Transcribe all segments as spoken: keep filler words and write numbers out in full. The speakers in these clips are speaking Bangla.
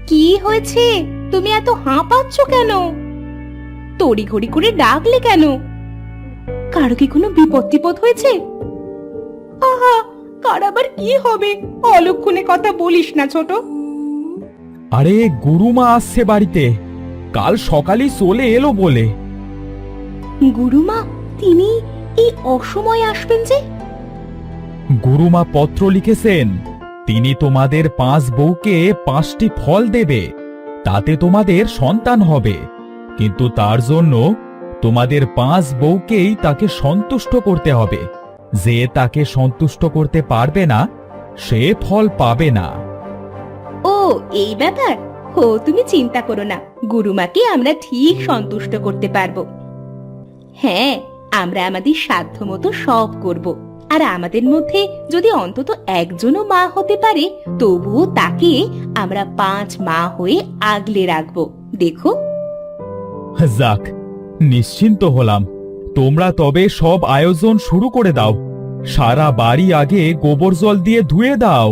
কি হয়েছে? তুমি এত হাঁপাচ্ছ কেন? তড়িঘড়ি করে ডাকলে কেন? কারো কি কোনো বিপদ টিপদ হয়েছে? আহা, কার আবার কি হবে? অলক্ষণে কথা বলিস না ছোট। আরে গুরুমা আসছে বাড়িতে, কাল সকালেই চলে এলো বলে। গুরুমা? তিনি এই অসময়ে আসবেন যে? গুরুমা পত্র লিখেছেন, তিনি তোমাদের পাঁচ বউকে পাঁচটি ফল দেবে, তাতে তোমাদের সন্তান হবে, কিন্তু তার জন্য তোমাদের পাঁচ বউকেই তাকে সন্তুষ্ট করতে হবে। যে তাকে সন্তুষ্ট করতে পারবে না সে ফল পাবে না। ও এই ব্যাপার। ও তুমি চিন্তা করো না, গুরুমাকে আমরা ঠিক সন্তুষ্ট করতে পারবো। হ্যাঁ, আমরা আমাদের সাধ্য মতো সব করব। আর আমাদের মধ্যে যদি অন্তত একজনও মা হতে পারে, তবুও তাকে আমরা পাঁচ মা হয়ে আগলে রাখবো। দেখো। যাক, নিশ্চিন্ত হলাম। তোমরা তবে সব আয়োজন শুরু করে দাও। সারা বাড়ি আগে গোবর জল দিয়ে ধুয়ে দাও।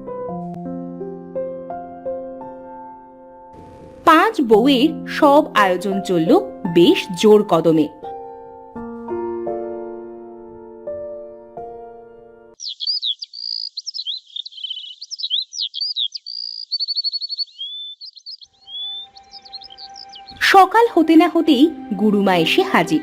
পাঁচ বউয়ের সব আয়োজন চলল বেশ জোর কদমে। সকাল হতে না হতেই গুরুমা এসে হাজির।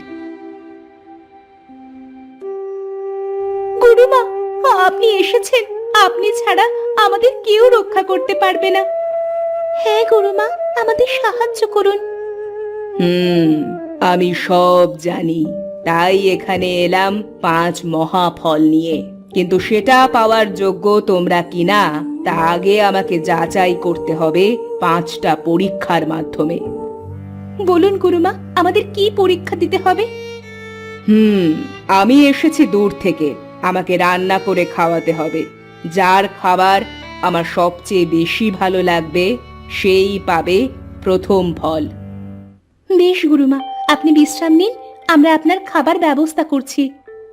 গুরুমা, আপনি এসেছেন। আপনি ছাড়া আমাদের কেউ রক্ষা করতে পারবে না। হ্যাঁ গুরুমা, আমাদের সাহায্য করুন। হুম, আমি সব জানি, তাই এখানে এলাম পাঁচ মহাফল নিয়ে। কিন্তু সেটা পাওয়ার যোগ্য তোমরা কিনা তা আগে আমাকে যাচাই করতে হবে পাঁচটা পরীক্ষার মাধ্যমে। বলুন গুরুমা, আমাদের কি পরীক্ষা দিতে হবে? হুম, আমি এসেছি দূর থেকে, আমাকে রান্না করে খাওয়াতে হবে। যার খাবার আমার সবচেয়ে বেশি ভালো লাগবে সেই পাবে প্রথম ফল। বেশ গুরুমা, আপনি বিশ্রাম নিন, আমরা আপনার খাবার ব্যবস্থা করছি।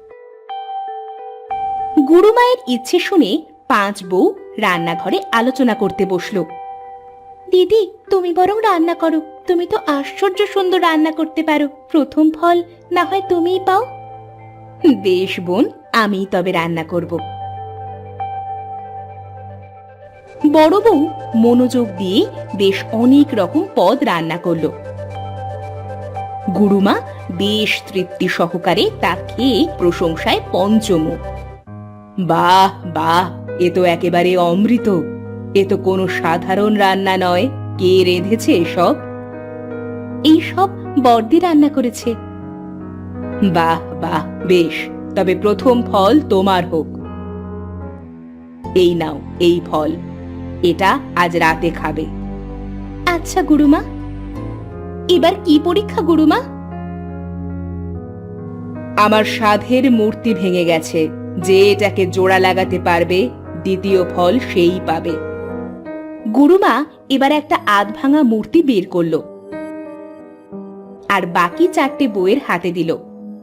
গুরুমায়ের ইচ্ছে শুনে পাঁচ বউ রান্নাঘরে আলোচনা করতে বসলো। দিদি, তুমি বরং রান্না করো, তুমি তো আশ্চর্য সুন্দর রান্না করতে পারো। প্রথম ফল না হয় তুমিই পাও। বেশ বোন, আমি তবে রান্না করব। বড় বউ মনোযোগ দিয়ে বেশ অনেক রকম পদ রান্না করলো। গুরুমা বেশ তৃপ্তি সহকারে তা খেয়ে প্রশংসায় পঞ্চমুখ। বাহ বাহ, এ তো একেবারে অমৃত। এ তো কোনো সাধারণ রান্না নয়। কে রেঁধেছে এসব? এইসব বর্দি রান্না করেছে। বাহ বাহ, বেশ, তবে প্রথম ফল তোমার হোক। এই নাও এই ফল, এটা আজ রাতে খাবে। আচ্ছা গুরুমা। এবার কি পরীক্ষা গুরুমা? আমার সাধের মূর্তি ভেঙে গেছে, যে এটাকে জোড়া লাগাতে পারবে দ্বিতীয় ফল সেই পাবে। গুরুমা এবার একটা আধ ভাঙা মূর্তি বের করলো আর বাকি চারটে বউয়ের হাতে দিল।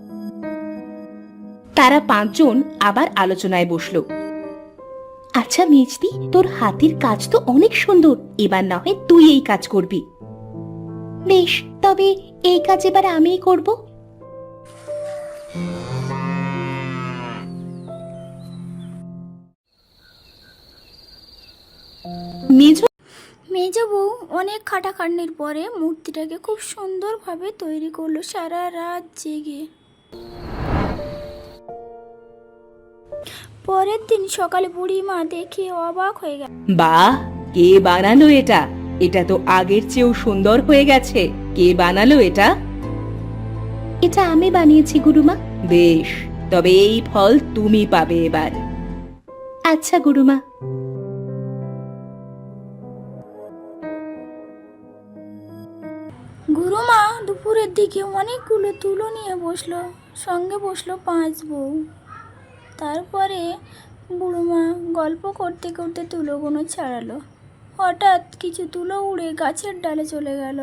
তারা পাঁচজন আবার আলোচনায় বসলো। আচ্ছা মেজদি, তোর হাতের কাজ তো অনেক সুন্দর, এবার না হয় তুই এই কাজ করবি। বেশ, তবে এই কাজ এবার আমিই করব। মেজ মেজ বউ অনেক খাটাখাটনির পরে মূর্তিটাকে খুব সুন্দরভাবে তৈরি করলো সারা রাত জেগে। পরের দিন সকালে বুড়ি মা দেখে অবাক হয়ে গেল। বাহ, কে বানালো এটা? এটা তো আগের চেয়েও সুন্দর হয়ে গেছে। কে বানালো এটা? এটা আমি বানিয়েছি গুরুমা। বেশ, তবে এই ফল তুমি পাবে এবার। আচ্ছা গুরুমা। গুরুমা দুপুরের দিকে অনেকগুলো তুলো নিয়ে বসলো, সঙ্গে বসলো পাঁচ বউ। তারপরে বুড়োমা গল্প করতে করতে তুলোগুলো ছাড়ালো। হঠাৎ কিছু তুলো উড়ে গাছের ডালে চলে গেল।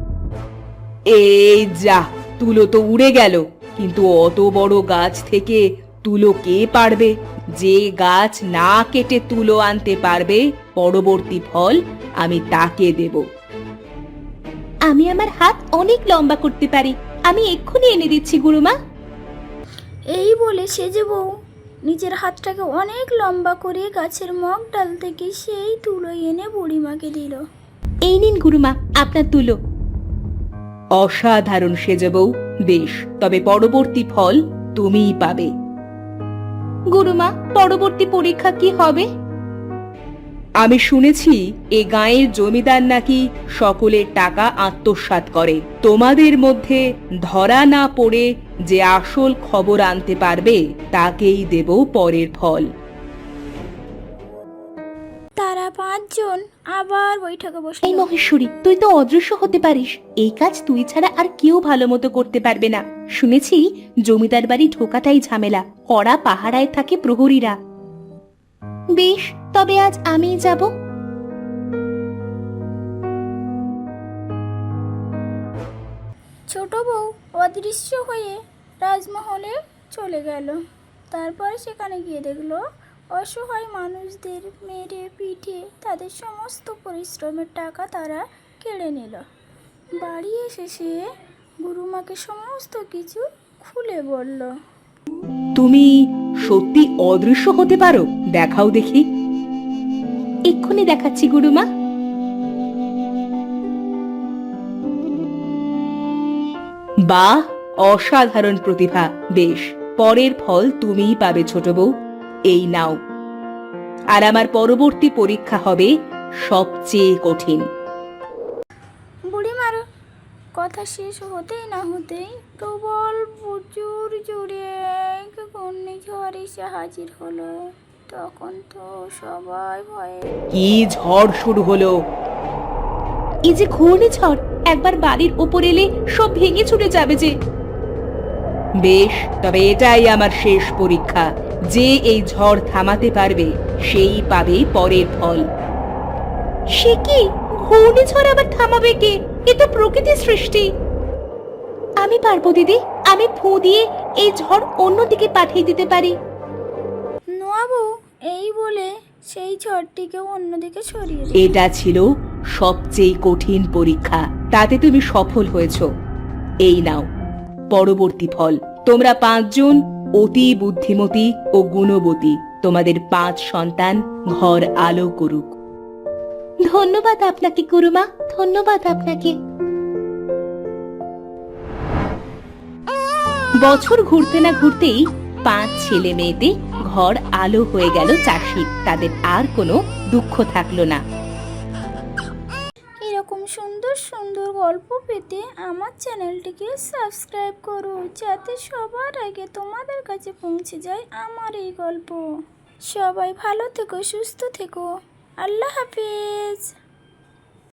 এই যা, তুলো তো উড়ে গেল, কিন্তু অত বড় গাছ থেকে তুলো কে পারবে? যে গাছ না কেটে তুলো আনতে পারবে পরবর্তী ফল আমি তাকে দেব। আমি আমার হাত অনেক লম্বা করতে পারি, আমি এক্ষুনি এনে দিচ্ছি গুরুমা। এই বলে সেজে বউ নিজের হাতটাকে অনেক লম্বা করে গাছের মগ ডাল থেকে সেই তুলো এনে বুড়িমাকে দিল। এই নিন গুরুমা আপনার তুলো। অসাধারণ সেজে বউ, বেশ, তবে পরবর্তী ফল তুমিই পাবে। গুরুমা, পরবর্তী পরীক্ষা কি হবে? আমি শুনেছি এ গাঁয়ের জমিদার নাকি সকলের টাকা আত্মসাৎ করে। তোমাদের মধ্যে ধরা না পড়ে যে আসল খবর আনতে পারবে তাকেই দেব পরের ফল। তারা পাঁচজন আবার বৈঠকে এই বসলো। মহেশ্বরী, তুই তো অদৃশ্য হতে পারিস। এই কাজ তুই ছাড়া আর কেউ ভালো মতো করতে পারবে না। শুনেছি জমিদার বাড়ি ঢোকাটাই ঝামেলা, কড়া পাহারায় থাকে প্রহরীরা। বেশ, তবে আজ আমিই যাব। ছোট বউ অদৃশ্য হয়ে রাজমহলে চলে গেল। তারপরে সেখানে গিয়ে দেখলো অসহায় মানুষদের মেরে পিঠে তাদের সমস্ত পরিশ্রমের টাকা তারা কেড়ে নিল। বাড়ি এসে সে গুরুমাকে সমস্ত কিছু খুলে বলল। তুমি সত্যি অদৃশ্য হতে পারো? দেখাও দেখি। এক্ষুনি দেখাচ্ছি গুরুমা। বাহ, অসাধারণ প্রতিভা। বেশ, পরের ফল তুমিই পাবে ছোট বউ। এই নাও। আর আমার পরবর্তী পরীক্ষা হবে সবচেয়ে কঠিন। বুড়িমার কথা শেষ হতেই না হতেই প্রবল প্রচুর জোরে এক ঘূর্ণিঝড় এসে হাজির হলো। তখন তো সবাই ভয়ে। কি ঝড় শুরু হলো! এই যে ঘূর্ণিঝড়, একবার বাড়ির উপর এলে সব ভেঙে ছুটে যাবে যে। বেশ, তবে এটাই আমার শেষ পরীক্ষা। যে এই ঝড় থামাতে পারবে সেই পাবে পরের ফল। সে কি? ঘূর্ণিঝড় আবার থামাবে কে? এ তো প্রকৃতির সৃষ্টি। আমি পারবো দিদি, আমি ফু দিয়ে এই ঝড় অন্যদিকে পাঠিয়ে দিতে পারি। নোয়াবু এই বলে সেই ঝড়টিকে অন্যদিকে সরিয়ে দিল। এটা ছিল সবচেয়ে কঠিন পরীক্ষা, তাতে তুমি সফল হয়েছ। এই নাও পরবর্তী ফল। তোমরা পাঁচজন অতি বুদ্ধিমতী ও গুণবতী। তোমাদের পাঁচ সন্তান ঘর আলো করুক। ধন্যবাদ আপনাকে গুরুমা, ধন্যবাদ আপনাকে। বছর ঘুরতে না ঘুরতেই পাঁচ ছেলে মেয়েতে ঘর আলো হয়ে গেল চাষি। তাদের আর কোনো দুঃখ থাকলো না। এরকম সুন্দর সুন্দর গল্প পেতে আমার চ্যানেলটিকে সাবস্ক্রাইব করো, যাতে সবার আগে তোমাদের কাছে পৌঁছে যায় আমার এই গল্প। সবাই ভালো থেকো, সুস্থ থেকো। আল্লাহ হাফিজ।